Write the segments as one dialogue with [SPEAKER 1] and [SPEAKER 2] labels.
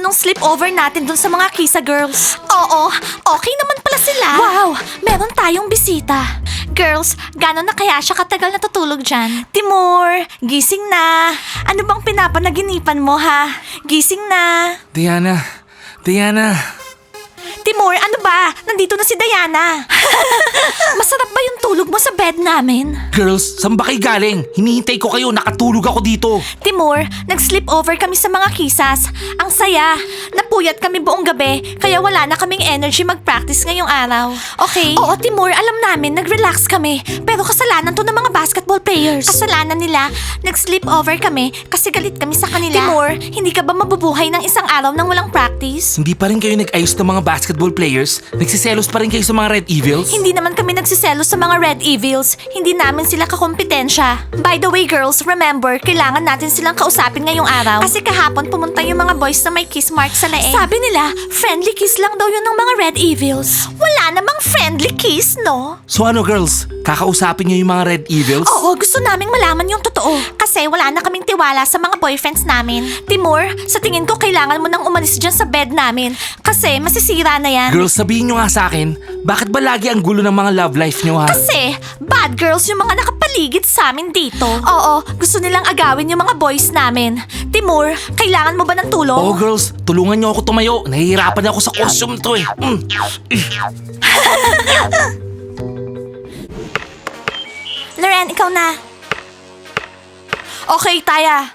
[SPEAKER 1] nung sleepover natin dun sa mga Kisa girls. Oo, okay naman pala sila. Wow, meron tayong bisita. Girls, gano'n na kaya siya katagal natutulog dyan? Timur, gising na. Ano bang pinapanaginipan mo ha? Gising na.
[SPEAKER 2] Diana.
[SPEAKER 1] Timur, ano ba? Nandito na si Diana. Masarap ba yung tulog mo sa bed namin?
[SPEAKER 2] Girls, saan ba kayo galing? Hinihintay ko kayo, nakatulog ako dito.
[SPEAKER 1] Timur, nag-sleepover kami sa mga kisas. Ang saya. Napuyat kami buong gabi, kaya wala na kaming energy mag-practice ngayong araw. Okay? Oo, Timur, alam namin, nag-relax kami. Pero kasalanan to ng mga basketball players. Kasalanan nila, nag-sleepover kami kasi galit kami sa kanila. Timur, hindi ka ba mabubuhay ng isang araw nang walang practice?
[SPEAKER 2] Hindi pa rin kayo nag-ayos ng mga basketball players? Nagsiselos pa rin kayo sa mga Red Evils?
[SPEAKER 1] Hindi naman kami nagsiselos sa mga Red Evils. Hindi namin sila kakompetensya. By the way, girls, remember, kailangan natin silang kausapin ngayong araw. Kasi kahapon pumunta yung mga boys na may kiss mark sa leeg. Sabi nila, friendly kiss lang daw yun ng mga Red Evils. Wala namang friendly kiss, no?
[SPEAKER 2] So ano girls, kakausapin niyo yung mga Red Evils?
[SPEAKER 1] Oo, gusto naming malaman yung totoo. Kasi wala na kaming tiwala sa mga boyfriends namin. Timur, sa tingin ko kailangan mo nang umalis dyan sa bed namin. Kasi masisira na yan.
[SPEAKER 2] Girls, sabihin nyo nga sa akin, bakit ba lagi ang gulo ng mga love life nyo ha?
[SPEAKER 1] Kasi, bad girls yung mga nakapaligid sa amin dito. Oo, gusto nilang agawin yung mga boys namin. Timur, kailangan mo ba ng tulong?
[SPEAKER 2] Oo girls, tulungan nyo ako tumayo. Nahihirapan ako sa costume to eh.
[SPEAKER 1] Loren, ikaw na. Okay, Taya.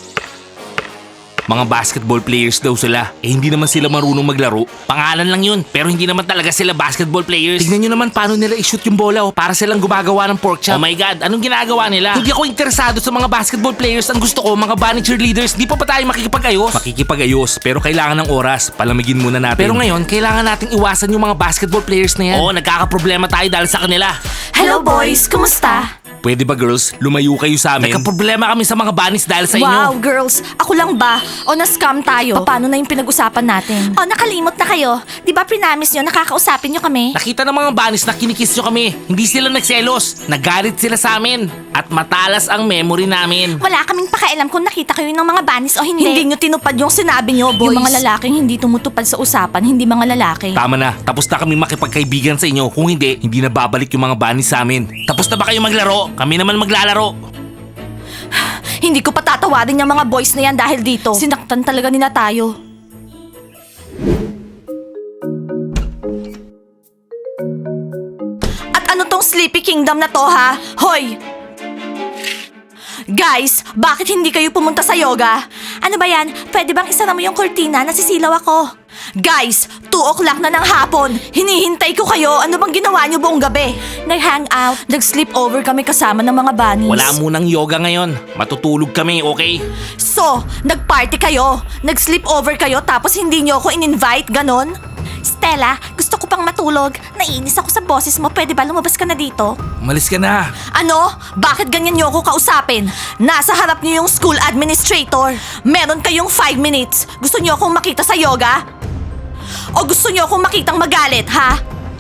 [SPEAKER 2] Mga basketball players daw sila. Eh hindi naman sila marunong maglaro. Pangalan lang yun, pero hindi naman talaga sila basketball players. Tignan nyo naman paano nila i-shoot yung bola para silang gumagawa ng pork chop. Oh my God, anong ginagawa nila? Hindi ako interesado sa mga basketball players. Ang gusto ko, mga bunny cheerleaders. Di pa tayo makikipag-ayos? Makikipag-ayos, pero kailangan ng oras. Palamigin muna natin. Pero ngayon, kailangan nating iwasan yung mga basketball players na yan. Oo, nagkakaproblema tayo dahil sa kanila.
[SPEAKER 1] Hello, boys. Kumusta?
[SPEAKER 2] Pwede ba girls, lumayo kayo sa amin? Nagkaproblema kami sa mga bunnies dahil sa inyo.
[SPEAKER 1] Wow, girls. Ako lang ba? O na-scam tayo? Paano na yung pinag-usapan natin? O nakalimot na kayo. Di ba pinamis nyo nakakausapin nyo kami?
[SPEAKER 2] Nakita ng mga bunnies na kinikiss nyo kami. Hindi sila nagselos. Nagalit sila sa amin. At matalas ang memory namin.
[SPEAKER 1] Wala kaming pakialam kung nakita kayo ng mga banis o hindi. Hindi nyo tinupad yung sinabi nyo, boys. Yung mga lalaking hindi tumutupad sa usapan, hindi mga lalaki.
[SPEAKER 2] Tama na. Tapos na kami makipagkaibigan sa inyo. Kung hindi na babalik yung mga bunnies sa amin. Tapos na ba kayo maglaro? Kami naman maglalaro.
[SPEAKER 1] Hindi ko patatawarin yung mga boys na yan dahil dito. Sinaktan talaga nila tayo. At ano tong Sleepy Kingdom na to ha? Hoy! Guys, bakit hindi kayo pumunta sa yoga? Ano ba yan? Pwede bang isara mo yung kurtina? Nasisilaw ako. Guys, 2 o'clock na ng hapon. Hinihintay ko kayo. Ano bang ginawa niyo buong gabi? Nag-hangout. Nag-sleepover kami kasama ng mga bunnies.
[SPEAKER 2] Wala munang yoga ngayon. Matutulog kami, okay?
[SPEAKER 1] So, nag-party kayo. Nag-sleepover kayo tapos hindi niyo ako in-invite, ganon? Stella, gusto ko pang matulog. Naiinis ako sa boses mo. Pwede ba lumabas ka na dito?
[SPEAKER 2] Umalis ka na.
[SPEAKER 1] Ano? Bakit ganyan niyo ako kausapin? Nasa harap niyo yung school administrator. Meron kayong 5 minutes. Gusto niyo akong makita sa yoga? O gusto niyo akong makitang magalit, ha?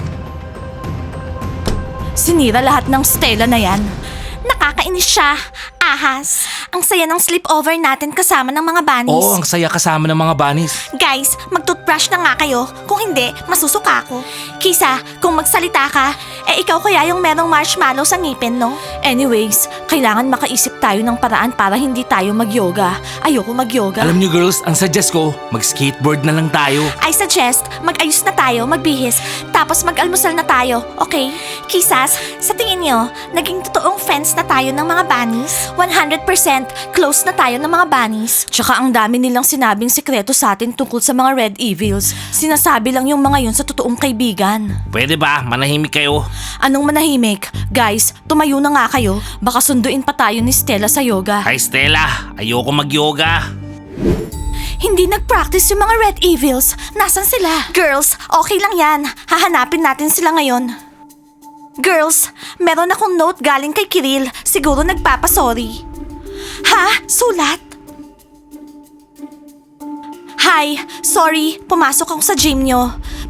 [SPEAKER 1] Sinira lahat ng Stella na yan. Nakakainis siya. Ahas. Ang saya ng sleepover natin kasama ng mga bunnies.
[SPEAKER 2] Oo, ang saya kasama ng mga bunnies.
[SPEAKER 1] Guys, mag-toothbrush na nga kayo. Kung hindi, masusuka ako. Kisa, kung magsalita ka, ikaw kaya yung merong marshmallow sa ngipin, no? Anyways, kailangan makaisip tayo ng paraan para hindi tayo mag-yoga. Ayoko mag-yoga.
[SPEAKER 2] Alam niyo girls, ang suggest ko, mag-skateboard na lang tayo.
[SPEAKER 1] I suggest, mag-ayos na tayo, magbihis, tapos mag-almusal na tayo, okay? Kisas, sa tingin nyo, naging totoong friends na tayo ng mga bunnies? 100% close na tayo ng mga bunnies. Tsaka ang dami nilang sinabing sekreto sa atin tungkol sa mga Red Evils. Sinasabi lang yung mga yun sa totoong kaibigan.
[SPEAKER 2] Pwede ba? Manahimik kayo.
[SPEAKER 1] Anong manahimik? Guys, tumayo na nga kayo. Baka sunduin pa tayo ni Stella sa yoga.
[SPEAKER 2] Hi Stella, ayoko mag-yoga.
[SPEAKER 1] Hindi nag-practice yung mga Red Evils. Nasaan sila? Girls, okay lang yan. Hahanapin natin sila ngayon. Girls, meron akong note galing kay Kiril. Siguro nagpapasorry. Ha? Sulat? Hi, sorry, pumasok ako sa gym nyo.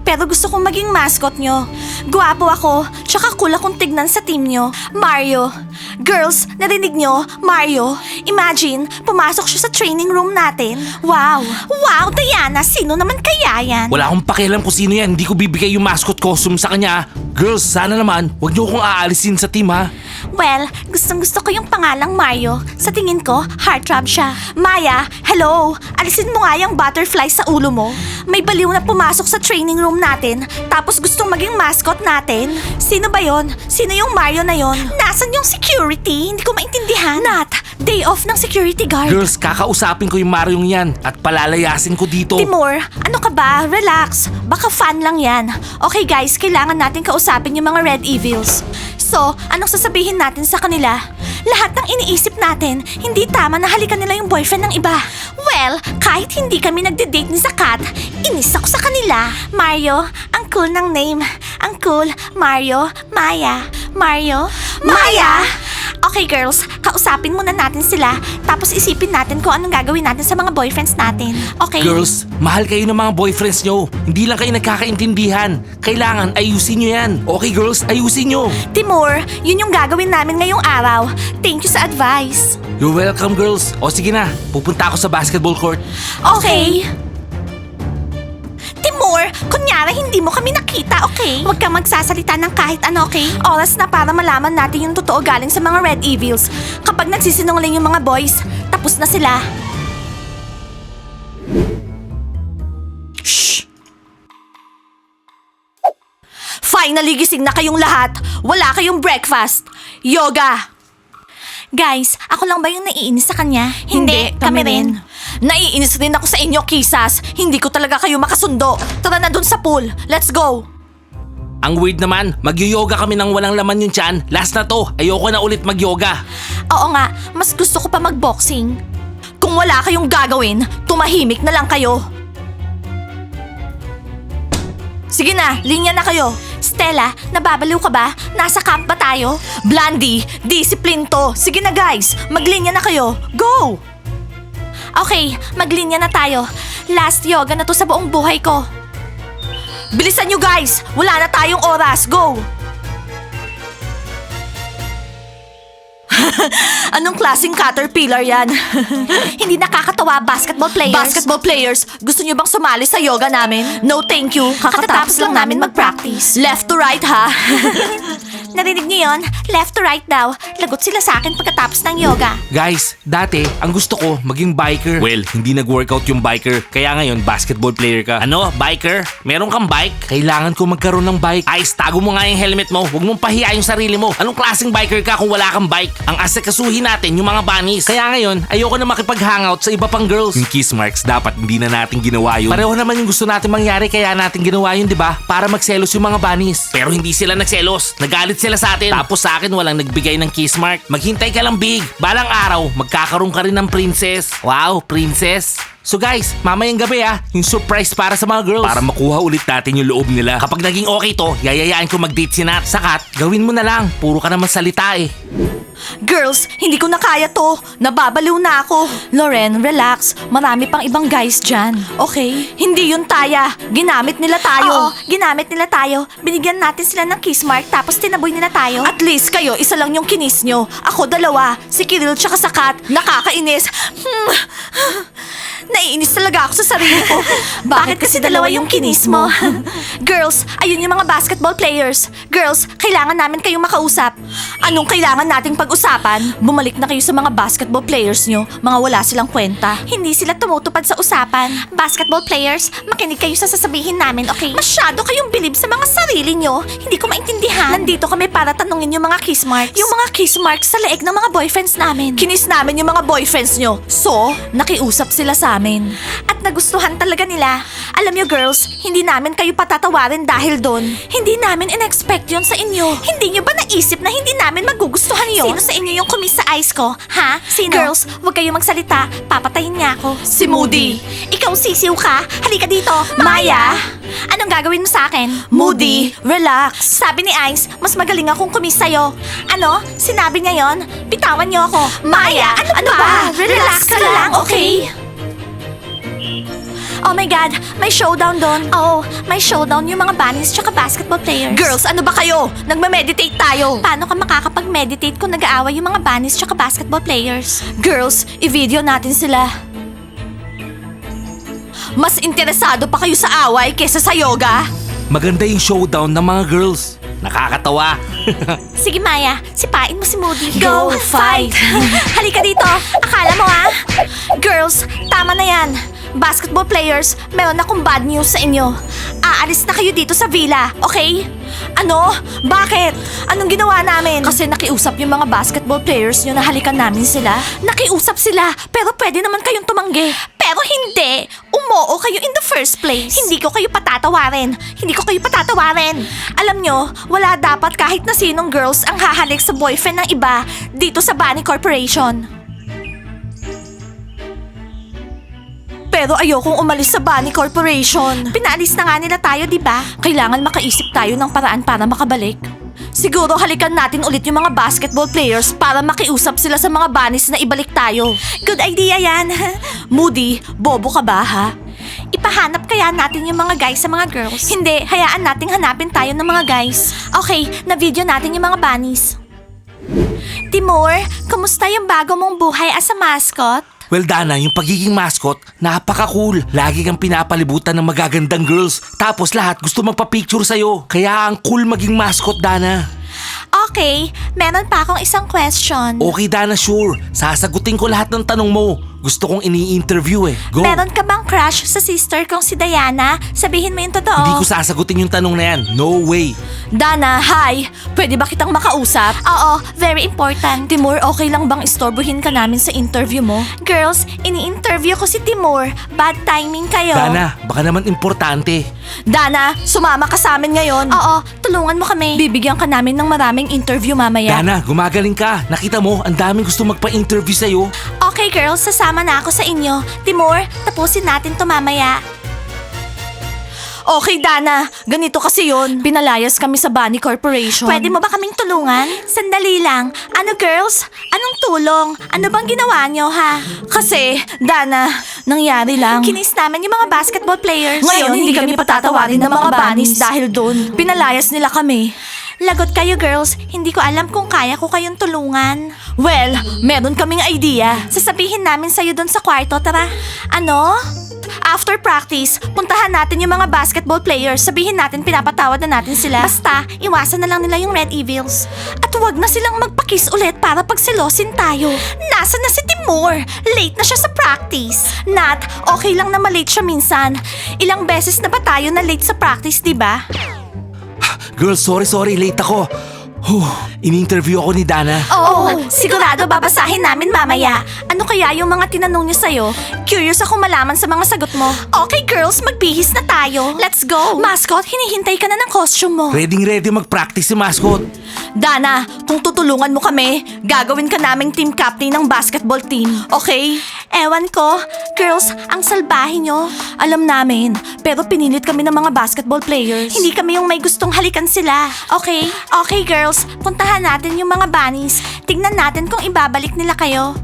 [SPEAKER 1] pero gusto kong maging mascot nyo. Guwapo ako, tsaka cool akong tignan sa team nyo. Mario. Girls, narinig nyo? Mario. Imagine, pumasok siya sa training room natin. Wow. Wow, Diana, sino naman kaya yan?
[SPEAKER 2] Wala akong pakialam kung sino yan. Hindi ko bibigay yung mascot costume sa kanya. Girls, sana naman, wag niyo akong aalisin sa team ha.
[SPEAKER 1] Well, gustong-gusto ko yung pangalang Mario. Sa tingin ko, heartthrob siya. Maya, hello! Alisin mo nga yung butterfly sa ulo mo. May baliw na pumasok sa training room natin, tapos gustong maging mascot natin. Sino ba yon? Sino yung Mario na yon? Nasaan yung security? Hindi ko maintindihan. Nat, day off ng security guard.
[SPEAKER 2] Girls, kakausapin ko yung Mariong yan at palalayasin ko dito.
[SPEAKER 1] Timur, ano ka ba? Relax. Baka fan lang yan. Okay guys, kailangan natin kausapin yung mga Red Evils. So, anong sasabihin natin sa kanila? Lahat ng iniisip natin, hindi tama na halikan nila yung boyfriend ng iba. Well, kahit hindi kami nagde-date ni Zakat, inis ako sa kanila. Mario, ang cool ng name. Ang cool. Mario, Maya. Mario, Maya! Okay girls, kausapin muna natin sila, tapos isipin natin kung anong gagawin natin sa mga boyfriends natin. Okay?
[SPEAKER 2] Girls, mahal kayo ng mga boyfriends nyo. Hindi lang kayo nagkakaintindihan. Kailangan ayusin nyo yan. Okay girls, ayusin nyo.
[SPEAKER 1] Timur, yun yung gagawin namin ngayong araw. Thank you sa advice.
[SPEAKER 2] You're welcome girls. O sige na, pupunta ako sa basketball court.
[SPEAKER 1] Okay. Timur, kunyari hindi mo kami nakita, okay? Huwag kang magsasalita ng kahit ano, okay? Oras na para malaman natin yung totoo galing sa mga Red Evils. Kapag nagsisinungaling yung mga boys, tapos na sila. Shh! Finally gising na kayong lahat. Wala kayong breakfast. Yoga! Guys, ako lang ba yung naiinis sa kanya? Hindi, kami rin. Naiinis rin ako sa inyo, kisas. Hindi ko talaga kayo makasundo. Tara na dun sa pool. Let's go.
[SPEAKER 2] Ang weird naman, mag-yoga kami nang walang laman yung tiyan. Last na to, ayoko na ulit mag-yoga.
[SPEAKER 1] Oo nga, mas gusto ko pa mag-boxing. Kung wala kayong gagawin, tumahimik na lang kayo. Sige na, linya na kayo. Stella, nababaliw ka ba? Nasa camp ba tayo? Blandy, discipline to. Sige na guys, maglinya na kayo. Go! Okay, maglinya na tayo. Last yoga na to sa buong buhay ko. Bilisan nyo guys! Wala na tayong oras. Go! Anong klaseng caterpillar yan? Hindi nakakatawa, basketball players. Basketball players, gusto nyo bang sumali sa yoga namin? No thank you, kakatapos lang namin mag-practice. Left to right ha? Narinig niyo yon? Left to right daw. Lagot sila sa akin pagkatapos ng yoga.
[SPEAKER 2] Guys, dati, ang gusto ko, maging biker. Well, hindi nag-workout yung biker, kaya ngayon, basketball player ka. Ano, biker? Meron kang bike? Kailangan ko magkaroon ng bike. Ice, tago mo nga yung helmet mo. Huwag mong pahiya yung sarili mo. Anong klaseng biker ka kung wala kang bike? Ang asikasuhin natin yung mga bunnies. Kaya ngayon, ayoko na makipag-hangout sa iba pang girls. Yung kiss marks, dapat hindi na natin ginawa yun. Pareho naman yung gusto natin mangyari, kaya natin ginawa yun, di ba? Para magselos yung mga bunnies. Pero hindi sila nagselos. Nagalit sila sa atin. Tapos sa akin walang nagbigay ng kiss mark. Maghintay ka lang, Big. Balang araw, magkakaroon ka rin ng princess. Wow, princess. So guys, mamayang gabi yung surprise para sa mga girls. Para makuha ulit natin yung loob nila. Kapag naging okay to, yayayain ko mag-date si Nat. Sakat, gawin mo na lang. Puro ka naman salita eh.
[SPEAKER 1] Girls, hindi ko na kaya to. Nababaliw na ako. Loren, relax. Marami pang ibang guys dyan. Okay? Hindi yun, Taya. Ginamit nila tayo. Oo, ginamit nila tayo. Binigyan natin sila ng kiss mark tapos tinaboy nila tayo. At least kayo, isa lang yung kinis nyo. Ako dalawa. Si Kiril tsaka Sakat. Nakakainis. Naiinis talaga ako sa sarili ko. Bakit kasi dalawa yung kinis mo? Girls, ayun yung mga basketball players. Girls, kailangan namin kayong makausap. Anong kailangan nating pag-usapan? Bumalik na kayo sa mga basketball players nyo. Mga wala silang kwenta. Hindi sila tumutupad sa usapan. Basketball players, makinig kayo sa sasabihin namin, okay? Masyado kayong bilib sa mga sarili nyo. Hindi ko maintindihan. Nandito kami para tanungin yung mga kiss marks. Yung mga kiss marks sa leeg ng mga boyfriends namin. Kinis namin yung mga boyfriends nyo. So, nakiusap sila sa amin. At nagustuhan talaga nila. Alam nyo girls, hindi namin kayo patatawarin dahil doon. Hindi namin in-expect yun sa inyo. Hindi nyo ba naisip na hindi namin magugustuhan yun? Sino sa inyo yung kumis sa ice ko? Ha? Sino? Girls, huwag kayo magsalita. Papatayin niya ako. Si Moody. Ikaw sisiw ka? Halika dito. Maya! Anong gagawin mo sa akin? Moody, relax. Sabi ni Ice, mas magaling akong kumis sa'yo. Ano? Sinabi niya yon? Bitawan niyo ako. Maya, ano ba? Relax ka lang, okay? Oh my God, may showdown doon. Oo, may showdown yung mga bunnies tsaka basketball players. Girls, ano ba kayo? Nagme-meditate tayo. Paano ka makakapag-meditate kung nag-aaway yung mga bunnies tsaka basketball players? Girls, i-video natin sila. Mas interesado pa kayo sa away kesa sa yoga?
[SPEAKER 2] Maganda yung showdown ng mga girls. Nakakatawa.
[SPEAKER 1] Sige Maya, sipain mo si Moody. Go, fight! Halika dito, akala mo Girls, tama na yan. Basketball players, meron akong bad news sa inyo. Aalis na kayo dito sa villa, okay? Ano? Bakit? Anong ginawa namin? Kasi nakiusap yung mga basketball players nyo na halikan namin sila. Nakiusap sila, pero pwede naman kayong tumanggi. Pero hindi! Umoo kayo in the first place. Hindi ko kayo patatawarin. Hindi ko kayo patatawarin. Alam nyo, wala dapat kahit na sinong girls ang hahalik sa boyfriend ng iba dito sa Bunny Corporation. Pero ayokong umalis sa Bunny Corporation. Pinaalis na nga nila tayo, di ba? Kailangan makaisip tayo ng paraan para makabalik. Siguro halikan natin ulit yung mga basketball players para makiusap sila sa mga bunnies na ibalik tayo. Good idea yan. Moody, bobo ka ba ha? Ipahanap kaya natin yung mga guys sa mga girls? Hindi, hayaan nating hanapin tayo ng mga guys. Okay, na-video natin yung mga bunnies. Timur, kumusta yung bago mong buhay as a mascot?
[SPEAKER 2] Well, Dana, yung pagiging mascot, napaka-cool. Lagi kang pinapalibutan ng magagandang girls. Tapos lahat gusto magpa-picture sa'yo. Kaya ang cool maging mascot, Dana.
[SPEAKER 1] Okay, meron pa akong isang question.
[SPEAKER 2] Okay, Dana, sure. Sasagutin ko lahat ng tanong mo. Gusto kong ini-interview Go.
[SPEAKER 1] Meron ka bang crush sa sister kong si Diana? Sabihin mo yung totoo.
[SPEAKER 2] Hindi ko sasagutin yung tanong na yan. No way.
[SPEAKER 1] Dana, hi! Pwede ba kitang makausap? Oo, very important. Timur, okay lang bang istorbohin ka namin sa interview mo? Girls, ini-interview ko si Timur. Bad timing kayo.
[SPEAKER 2] Dana, baka naman importante.
[SPEAKER 1] Dana, sumama ka sa amin ngayon. Oo, tulungan mo kami. Bibigyan ka namin ng maraming interview mamaya.
[SPEAKER 2] Dana, gumagaling ka. Nakita mo, ang daming gusto magpa-interview sa'yo.
[SPEAKER 1] Okay girls, sasama na ako sa inyo. Timur, tapusin natin to mamaya. Okay, Dana. Ganito kasi yon. Pinalayas kami sa Bunny Corporation. Pwede mo ba kaming tulungan? Sandali lang. Ano, girls? Anong tulong? Ano bang ginawa nyo, ha? Kasi, Dana, nangyari lang. Kinis namin yung mga basketball players. Ngayon, hindi kami patatawarin ng mga bunnies dahil doon. Pinalayas nila kami. Lagot kayo, girls. Hindi ko alam kung kaya ko kayong tulungan. Well, meron kaming idea. Sasabihin namin sa'yo doon sa kwarto, tara. Ano? After practice, puntahan natin yung mga basketball players. Sabihin natin pinapatawad na natin sila. Basta, iwasan na lang nila yung Red Evils. At huwag na silang magpakiss ulit para pagselosin tayo. Nasaan na si Timur? Late na siya sa practice. Nat, okay lang na malate siya minsan. Ilang beses na ba tayo na late sa practice, di ba?
[SPEAKER 2] Girl, sorry, late ako. In-interview ako ni Dana.
[SPEAKER 1] Oo, sigurado babasahin namin mamaya. Ano kaya yung mga tinanong niya sa'yo? Curious ako malaman sa mga sagot mo. Okay girls, magbihis na tayo. Let's go. Mascot, hinihintay ka na ng costume mo.
[SPEAKER 2] Ready mag-practice si mascot.
[SPEAKER 1] Dana, kung tutulungan mo kami, gagawin ka naming team captain ng basketball team. Okay? Ewan ko. Girls, ang salbahe nyo. Alam namin, pero pinilit kami ng mga basketball players. Hindi kami yung may gustong halikan sila. Okay? Okay girls, puntahan natin yung mga bunnies. Tignan natin kung ibabalik nila kayo.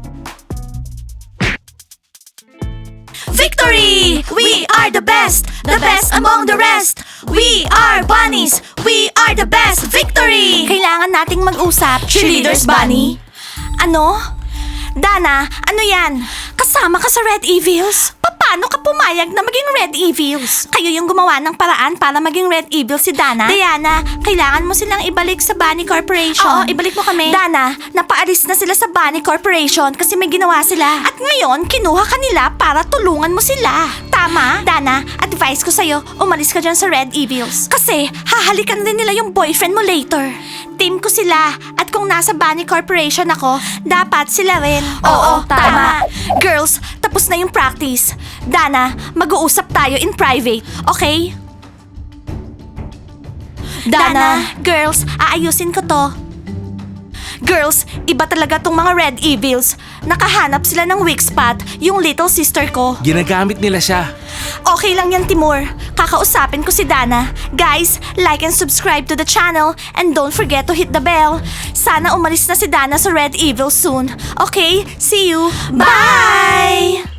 [SPEAKER 1] Victory! We are the best among the rest. We are bunnies. We are the best. Victory! Kailangan nating mag-usap. Cheerleaders, Bunny. Ano? Dana, ano yan? Kasama ka sa Red Evils? Paano ka pumayag na maging Red Evils? Kayo yung gumawa ng paraan para maging Red Evils si Dana? Diana, kailangan mo silang ibalik sa Bunny Corporation. Oo, ibalik mo kami. Dana, napaalis na sila sa Bunny Corporation kasi may ginawa sila. At ngayon, kinuha ka nila para tulungan mo sila. Tama? Dana, advice ko sa'yo, umalis ka dyan sa Red Evils. Kasi, hahalikan din nila yung boyfriend mo later. Team ko sila. At kung nasa Bunny Corporation ako, dapat sila rin. Oo, tama. Girls, tapos na yung practice. Dana, mag-uusap tayo in private, okay? Dana, girls, aayusin ko to. Girls, iba talaga tong mga Red Evils. Nakahanap sila ng weak spot, yung little sister ko.
[SPEAKER 2] Ginagamit nila siya.
[SPEAKER 1] Okay lang yan, Timur. Kakausapin ko si Dana. Guys, like and subscribe to the channel and don't forget to hit the bell. Sana umalis na si Dana sa Red Evil soon. Okay, see you. Bye!